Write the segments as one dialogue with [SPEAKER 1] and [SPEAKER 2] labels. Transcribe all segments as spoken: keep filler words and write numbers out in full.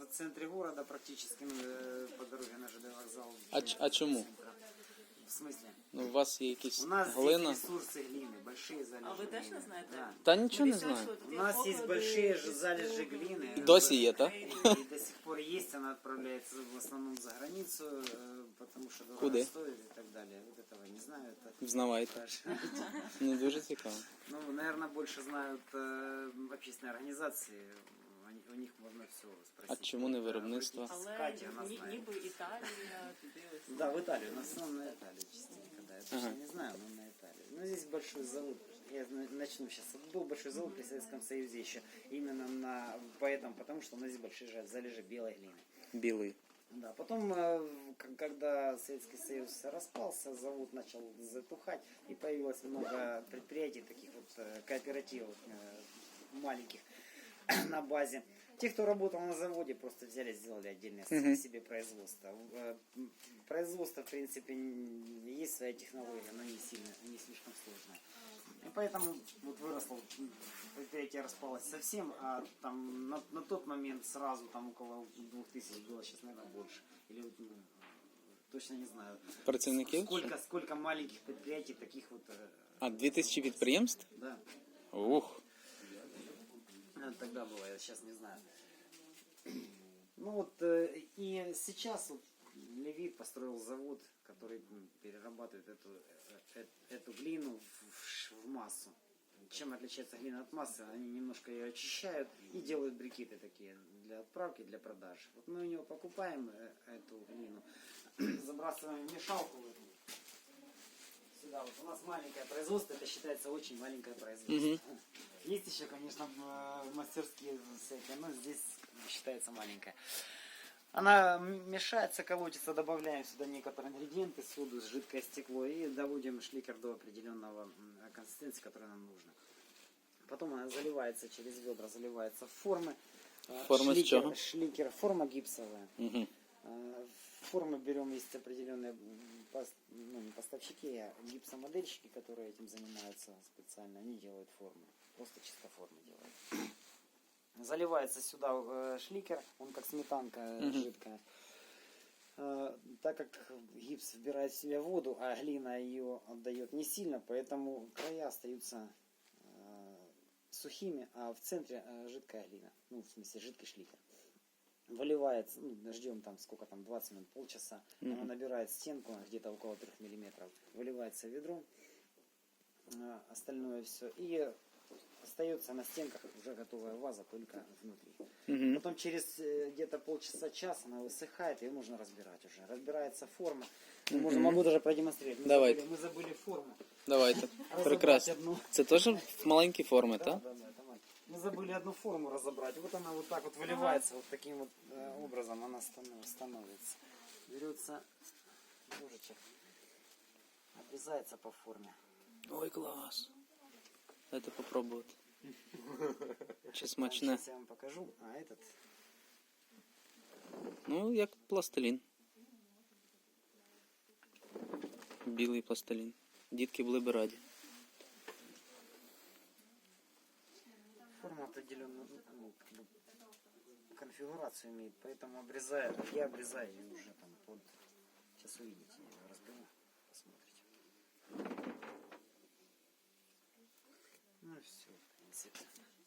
[SPEAKER 1] в центре города, практически ну, по дороге на ЖД вокзал.
[SPEAKER 2] А, ч- а чому?
[SPEAKER 1] В смысле?
[SPEAKER 2] Ну, у вас є якісь
[SPEAKER 1] У нас
[SPEAKER 2] глина?
[SPEAKER 1] здесь ресурсы глины, большие залежи.
[SPEAKER 3] А ви теж не
[SPEAKER 1] глины.
[SPEAKER 3] знаєте?
[SPEAKER 1] Да.
[SPEAKER 2] Та нічого не знаю.
[SPEAKER 1] У нас есть большие же залежи глины.
[SPEAKER 2] І досі є, так?
[SPEAKER 1] И до сих пор есть, она отправляется в основном за границу, э, потому что дорого
[SPEAKER 2] Куда?
[SPEAKER 1] стоит и так далее. Вот этого не знаю. Это
[SPEAKER 2] Взнавайте.
[SPEAKER 1] даже-
[SPEAKER 2] Не дуже цікаво.
[SPEAKER 1] Ну, наверное, больше знают э, общественные организации. Они- У них можно все
[SPEAKER 2] А
[SPEAKER 1] спросить.
[SPEAKER 2] чому не виробництво?
[SPEAKER 1] Обратитесь к
[SPEAKER 3] Але
[SPEAKER 1] Кате, она
[SPEAKER 3] ні-
[SPEAKER 1] знает.
[SPEAKER 3] ніби Італія, туди ось.
[SPEAKER 1] Да, в Италию, на основном на Италию частенько, да. Я точно
[SPEAKER 2] Ага.
[SPEAKER 1] не знаю, но на Италию. Но здесь большой завод. Я на- начну сейчас. Был большой завод при Советском Союзе еще. Именно на поэтому, потому что у нас здесь большие жа- залежи белой глины.
[SPEAKER 2] Білий.
[SPEAKER 1] Да, потом, э, к- когда Советский Союз распался, завод начал затухать, и появилось много предприятий, таких вот э, кооперативов э, маленьких на базе. Те, кто работал на заводе, просто взяли, сделали отдельное
[SPEAKER 2] Мгм.
[SPEAKER 1] себе производство. Э, м, Производство, в принципе, н- есть своя технология, но не сильно, не слишком сложная. И поэтому вот выросло, м, предприятие распалось совсем, а там на, на тот момент сразу там около двух тысяч было, сейчас, наверное, больше. Или вот, ну, точно не знаю.
[SPEAKER 2] Працівників?
[SPEAKER 1] Сколько, сколько маленьких предприятий таких вот, э,
[SPEAKER 2] А, дві тисячі підприємств?
[SPEAKER 1] да.
[SPEAKER 2] Ух.
[SPEAKER 1] Это тогда было, я сейчас не знаю. Ну вот, э, и сейчас вот Левит построил завод, который м, перерабатывает эту, э, э, эту глину в, в ш- в массу. Чем отличается глина от массы? Они немножко ее очищают и делают брикеты такие для отправки, для продажи. Вот мы у него покупаем э, эту глину, забрасываем в мешалку. в эту. Сюда вот у нас маленькое производство, это считается очень маленькое производство. Есть еще, конечно, в- мастерские всякие, но здесь считается маленькая. Она м- мешается, колотится, добавляем сюда некоторые ингредиенты, соду, жидкое стекло и доводим шликер до определенного м, консистенции, которая нам нужна. Потом она заливается через ведра, заливается в формы. А,
[SPEAKER 2] Форма с
[SPEAKER 1] шликер,
[SPEAKER 2] чего?
[SPEAKER 1] шликер, форма гипсовая.
[SPEAKER 2] Угу.
[SPEAKER 1] А, Формы берем, есть определенные м, пос- ну, не поставщики, а гипсомодельщики, которые этим занимаются специально. Они делают формы. Просто чисто формы делают. Заливается сюда э, шликер, он как сметанка э,
[SPEAKER 2] Мгм.
[SPEAKER 1] жидкая. Э, так как гипс вбирает в себя воду, а глина ее отдает не сильно, поэтому края остаются э, сухими, а в центре э, жидкая глина. Ну, в смысле, жидкий шликер. Выливается, ну, ждем там сколько там, двадцать минут, полчаса. Она
[SPEAKER 2] Мгм.
[SPEAKER 1] набирает стенку где-то около трех миллиметров. Выливается в ведро, э, остальное все. И остается на стенках уже готовая ваза, только внутри.
[SPEAKER 2] Угу.
[SPEAKER 1] Потом через э, где-то полчаса-час она высыхает, ее можно разбирать уже. Разбирается форма. Ну, можно, могу даже продемонстрировать. Мы
[SPEAKER 2] Давайте.
[SPEAKER 1] забыли, мы забыли форму.
[SPEAKER 2] Давайте.
[SPEAKER 1] Разобрать
[SPEAKER 2] Прекрасно.
[SPEAKER 1] одну.
[SPEAKER 2] Це теж в маленькі форми,
[SPEAKER 1] Да,
[SPEAKER 2] так?
[SPEAKER 1] да, да, давай. Мы забыли одну форму разобрать. Вот она вот так вот выливается, вот таким вот э, образом она станов- становится. Берется ножичек, обрезается по форме.
[SPEAKER 2] Ой, клас. Дайте попробувати. Чи
[SPEAKER 1] А,
[SPEAKER 2] смачне?
[SPEAKER 1] Сейчас я вам покажу. А этот
[SPEAKER 2] Ну, як пластилін. Білий пластилін. Дітки були б раді.
[SPEAKER 1] форма определенную ну, как бы конфигурацию имеет, поэтому обрезаю, я обрезаю ее уже там под. Сейчас увидите, я ее разберу, посмотрите. Ну и все, в принципе.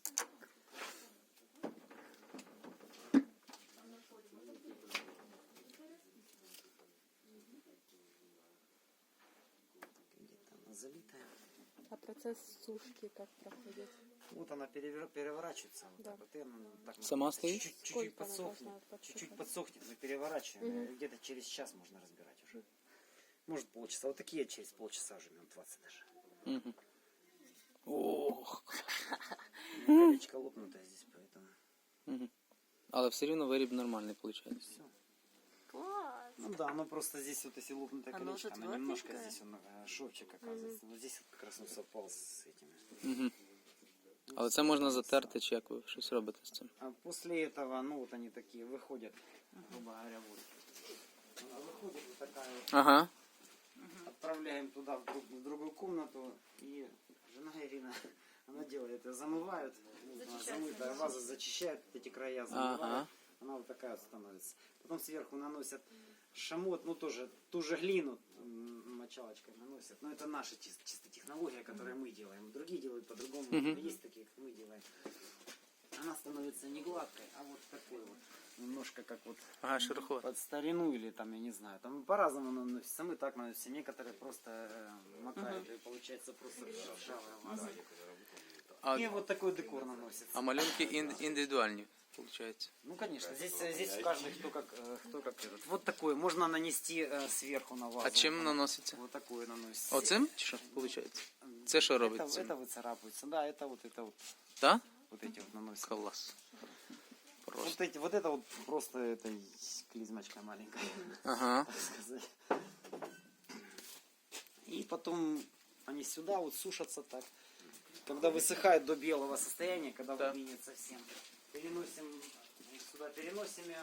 [SPEAKER 1] Где-то она залитая.
[SPEAKER 4] А процесс сушки как проходит?
[SPEAKER 1] Вот она перевер- переворачивается. Вот
[SPEAKER 4] Да.
[SPEAKER 1] так вот, и она так
[SPEAKER 2] Сама стоит?
[SPEAKER 1] Чуть-чуть, чуть-чуть
[SPEAKER 4] Сколько она
[SPEAKER 1] подсохнет.
[SPEAKER 4] должна подсыхать?
[SPEAKER 1] Чуть-чуть подсохнет, мы переворачиваем.
[SPEAKER 4] Мгм.
[SPEAKER 1] и Где-то через час можно разбирать уже. Может полчаса. Вот такие через полчаса уже, минут двадцать даже.
[SPEAKER 2] Угу. Ох.
[SPEAKER 1] Колечко лопнутое здесь, поэтому
[SPEAKER 2] Угу. Але все рівно виріб нормальний виходить.
[SPEAKER 1] все.
[SPEAKER 3] Клас!
[SPEAKER 1] Ну да, оно просто здесь вот если лопнутое
[SPEAKER 3] Оно
[SPEAKER 1] колечко,
[SPEAKER 3] уже
[SPEAKER 1] оно немножко
[SPEAKER 3] тверденькое?
[SPEAKER 1] здесь он, э, шовчик оказывается. Но здесь вот как раз он совпал с этими.
[SPEAKER 2] Угу. Але це можна затерти, чи як ви щось робите з цим?
[SPEAKER 1] А после этого, ну вот они такие выходят, грубо говоря, вот. Она выходит вот такая вот.
[SPEAKER 2] Ага.
[SPEAKER 1] Отправляем туда, в, друг- в другую комнату, и жена Ирина, она делает это, замывают, ну, она замытая ваза, зачищает эти края, замывает,
[SPEAKER 2] Ага.
[SPEAKER 1] она вот такая вот становится. Потом сверху наносят шамот, ну тоже ту же глину м, мочалочкой наносят. Но это наша чис- чисто технология, которую мы делаем. Другие делают по-другому,
[SPEAKER 2] Мгм.
[SPEAKER 1] но есть такие, как мы делаем. Она становится не гладкой, а вот такой вот. Немножко как вот
[SPEAKER 2] Ага, шероховат.
[SPEAKER 1] под старину или там, я не знаю, там по-разному наносится. Мы так наносим, некоторые просто э, макают, и получается просто ржавая ваза.
[SPEAKER 2] А,
[SPEAKER 1] И вот такой декор наносится.
[SPEAKER 2] а малюнки ін- індивідуальні, виходить.
[SPEAKER 1] Ну, конечно, здесь, э, здесь каждый кто как, э, кто как этот. Вот такой, можно нанести э, сверху на вазу.
[SPEAKER 2] А чим наноситься?
[SPEAKER 1] Вот такое наносится.
[SPEAKER 2] Оцим чи що, виходить? Це що робить
[SPEAKER 1] Это,
[SPEAKER 2] цим?
[SPEAKER 1] это выцарапывается, да, это вот это вот,
[SPEAKER 2] Так?
[SPEAKER 1] вот эти вот наносят.
[SPEAKER 2] Клас. Просто.
[SPEAKER 1] Вот, эти, вот это вот просто это клизмочка маленькая,
[SPEAKER 2] Ага.
[SPEAKER 1] так сказать. И потом они сюда вот сушатся так. Когда высыхают до белого состояния, когда
[SPEAKER 2] Да.
[SPEAKER 1] выгинет совсем, переносим их сюда, переносим ее.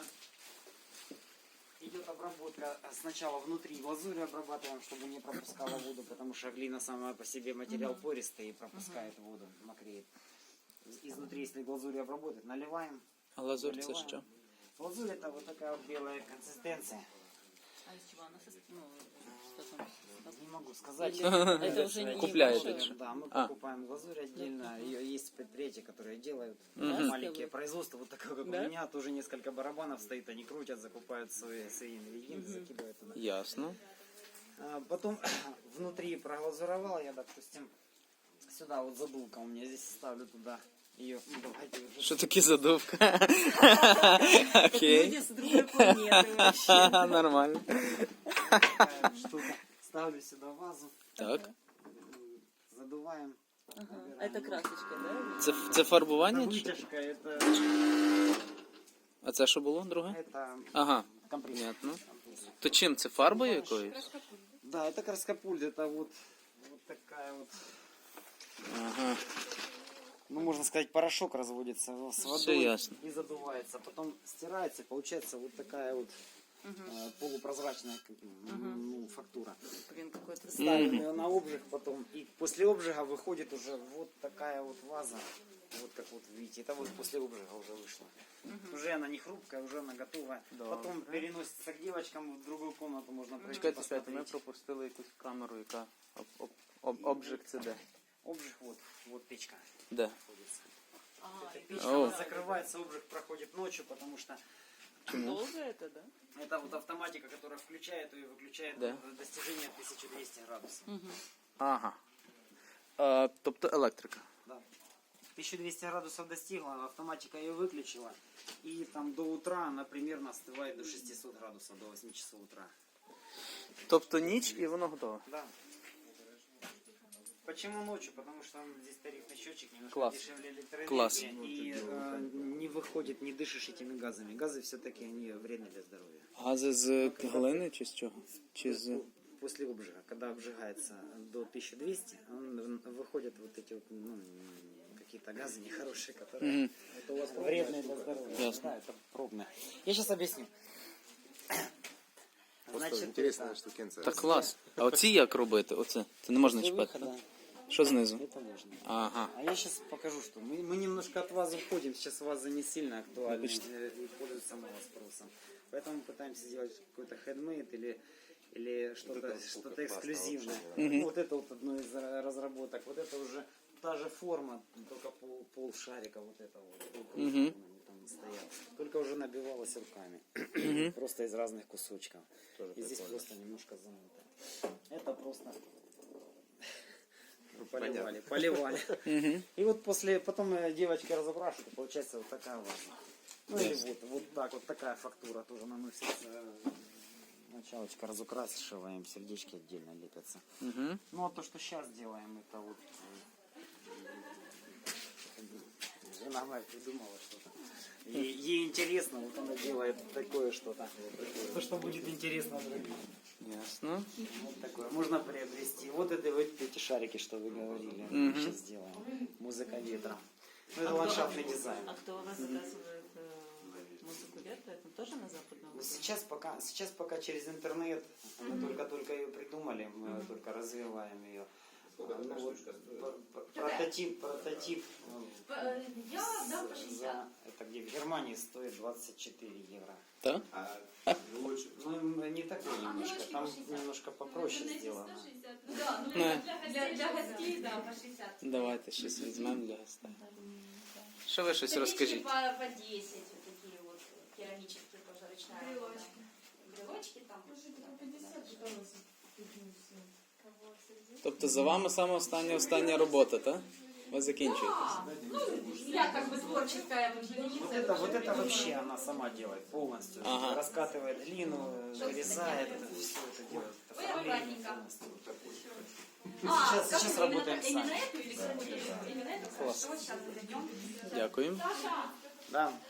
[SPEAKER 1] Идет обработка сначала внутри глазурью обрабатываем, чтобы не пропускала воду, потому что глина сама по себе материал пористый и пропускает воду, мокреет. Изнутри, если глазурью обработать, наливаем.
[SPEAKER 2] А лазурь це
[SPEAKER 1] заливаем.
[SPEAKER 2] що?
[SPEAKER 1] Глазурь это вот такая вот белая консистенция.
[SPEAKER 3] А из чего она состоит? Ну, что там?
[SPEAKER 1] Не могу сказать.
[SPEAKER 3] Это уже не
[SPEAKER 2] Купляете,
[SPEAKER 3] волшебно.
[SPEAKER 2] что?
[SPEAKER 1] Да, мы
[SPEAKER 2] А.
[SPEAKER 1] покупаем глазурь отдельно. Ее есть предприятия, которые делают
[SPEAKER 2] Мгм.
[SPEAKER 1] маленькие производства, вот такое, как
[SPEAKER 3] Да?
[SPEAKER 1] у меня, тоже несколько барабанов стоит, они крутят, закупают свои, свои ингредиенты, закидывают туда.
[SPEAKER 2] Ясно.
[SPEAKER 1] А, Потом внутри проглазуровал я, допустим, сюда вот задувка у меня здесь ставлю туда ее. Ну, давайте уже
[SPEAKER 2] Що таке задувка? Окей.
[SPEAKER 3] Люди с другой планеты вообще.
[SPEAKER 2] Нормально.
[SPEAKER 1] такая штука. Ставлю сюда вазу,
[SPEAKER 2] Так.
[SPEAKER 1] задуваем.
[SPEAKER 3] Ага. Это красочка, да?
[SPEAKER 2] Це, це фарбування?
[SPEAKER 1] Это
[SPEAKER 2] Чи? що?
[SPEAKER 1] вытяжка, это,
[SPEAKER 2] А це що було, друге?
[SPEAKER 1] это
[SPEAKER 2] Ага,
[SPEAKER 1] компресс.
[SPEAKER 2] понятно. То чим це фарбою якоюсь?
[SPEAKER 1] Да, это краскопульт, это вот, вот такая вот,
[SPEAKER 2] Ага.
[SPEAKER 1] ну можно сказать, порошок разводится с
[SPEAKER 2] Всё
[SPEAKER 1] водой
[SPEAKER 2] ясно.
[SPEAKER 1] и задувается. Потом стирается, получается вот такая вот э, полупрозрачная как, м, ну, фактура.
[SPEAKER 3] Блин, какой-то
[SPEAKER 1] Ставим
[SPEAKER 2] Мгм.
[SPEAKER 1] ее на обжиг потом, и после обжига выходит уже вот такая вот ваза. Вот как вот видите, это вот после обжига уже вышло. Уже она не хрупкая, уже она готовая. Потом переносится к девочкам в другую комнату, можно пройти
[SPEAKER 2] Чекайте, чекайте, ми
[SPEAKER 1] посмотреть.
[SPEAKER 2] пропустили якусь камеру, яка об, об, об, обжиг це де?
[SPEAKER 1] Обжиг вот, вот печка
[SPEAKER 2] Де?
[SPEAKER 1] находится.
[SPEAKER 3] А,
[SPEAKER 1] Эта
[SPEAKER 3] и
[SPEAKER 1] печка
[SPEAKER 2] О.
[SPEAKER 1] она закрывается, обжиг проходит ночью, потому что
[SPEAKER 3] долго это, да?
[SPEAKER 1] это вот автоматика, которая включает и выключает
[SPEAKER 2] Да.
[SPEAKER 1] до достижения тысяча двести градусов.
[SPEAKER 2] Ага. А, тобто електрика.
[SPEAKER 1] Да. тысяча двести градусов достигла, автоматика ее выключила. И там до утра она примерно остывает до шестисот градусов, до восьми часов утра.
[SPEAKER 2] Тобто ніч і воно готове.
[SPEAKER 1] Да. Почему ночью? Потому что здесь тарифный счетчик немножко
[SPEAKER 2] Класс.
[SPEAKER 1] дешевле электроэнергии.
[SPEAKER 2] Класс.
[SPEAKER 1] И э, не выходит, не дышишь этими газами. Газы все-таки они вредны для здоровья.
[SPEAKER 2] Гази з глини чи з чого? Чи з...
[SPEAKER 1] После обжига, когда обжигается до тысячи двухсот, он, выходят вот эти вот, ну, какие-то газы нехорошие, которые
[SPEAKER 2] Мгм.
[SPEAKER 1] вредные для здоровья.
[SPEAKER 2] Ясно.
[SPEAKER 1] Да, это пробное. Я сейчас объясню.
[SPEAKER 5] Просто интересная штукенция.
[SPEAKER 2] Та клас. А оці як робити? Оце. Це не можна
[SPEAKER 1] После
[SPEAKER 2] чіпати,
[SPEAKER 1] выхода
[SPEAKER 2] так? Що знизу?
[SPEAKER 1] это можно.
[SPEAKER 2] Ага.
[SPEAKER 1] А я сейчас покажу, что мы, мы немножко от вазы уходим. Сейчас ваза не сильно актуальна э, и пользуется мало спросом. Поэтому мы пытаемся сделать какой-то хендмейд или, или что-то что эксклюзивное. Ну, вот это вот одно из ра- разработок. Вот это уже та же форма, только пол, пол шарика вот это вот. Пол
[SPEAKER 2] Мгм.
[SPEAKER 1] там стоял. Только уже набивалась руками. Просто из разных кусочков. И здесь просто немножко замыто. Это просто поливали, поливали.
[SPEAKER 2] Угу.
[SPEAKER 1] И вот после, потом э, девочки разобрашивают, получается вот такая ваза. Ну или вот, вот так, вот такая фактура тоже наносится. Началочка разукрашиваем, сердечки отдельно лепятся.
[SPEAKER 2] Угу.
[SPEAKER 1] Ну а то, что сейчас делаем, это вот... э, Жена моя придумала что-то. Ей, ей интересно, вот она делает такое что-то. То, что будет интересно другим.
[SPEAKER 2] Ясно.
[SPEAKER 1] Вот такое. Можно приобрести. Вот это вот эти шарики, что вы говорили.
[SPEAKER 2] Мгм.
[SPEAKER 1] Сейчас сделаем. Музыка ветра. Ну, это ландшафтный дизайн.
[SPEAKER 3] А кто у вас заказывает э, музыку ветра? Это тоже на западном?
[SPEAKER 1] Ну, Сейчас пока, сейчас пока через интернет. Мы только-только ее придумали, мы только развиваем ее. Ну, вот, п- п- прототип, прототип ну,
[SPEAKER 6] Э, Я дам по
[SPEAKER 1] за-
[SPEAKER 6] шестьдесят.
[SPEAKER 1] это где в Германии стоит двадцать четыре евро.
[SPEAKER 2] Так?
[SPEAKER 1] Ну, не такой
[SPEAKER 6] А
[SPEAKER 1] немножко,
[SPEAKER 6] девочки
[SPEAKER 1] там
[SPEAKER 6] по шестьдесят.
[SPEAKER 1] немножко попроще сделано.
[SPEAKER 6] Да, ну
[SPEAKER 2] Не.
[SPEAKER 6] для, для гостей, да, по шестьдесят.
[SPEAKER 2] Давайте щось візьмемо для гостей. Що ви щось
[SPEAKER 6] Таблички
[SPEAKER 2] розкажіть?
[SPEAKER 6] по, по десять, вот такие вот керамические тоже ручная работа. Брелочки там.
[SPEAKER 2] Тобто за вами саме остання остання робота, так? Ви закінчуєте.
[SPEAKER 6] Да, ну, я как бы творческая вот единица.
[SPEAKER 1] Вот это, вот это вообще она сама делает полностью.
[SPEAKER 2] Ага.
[SPEAKER 1] Раскатывает глину, вырезает, это все это делает. Это
[SPEAKER 6] Ой,
[SPEAKER 1] оформление
[SPEAKER 6] аккуратненько.
[SPEAKER 1] полностью.
[SPEAKER 6] А,
[SPEAKER 1] Сейчас-
[SPEAKER 6] как
[SPEAKER 1] сейчас
[SPEAKER 6] вы, именно
[SPEAKER 1] работаем
[SPEAKER 6] так- Именно
[SPEAKER 1] сами.
[SPEAKER 6] эту или какую-то? Именно эту?
[SPEAKER 2] Класс.
[SPEAKER 6] Хорошо, сейчас зайдем.
[SPEAKER 2] Дякую.
[SPEAKER 6] Саша!
[SPEAKER 1] Да.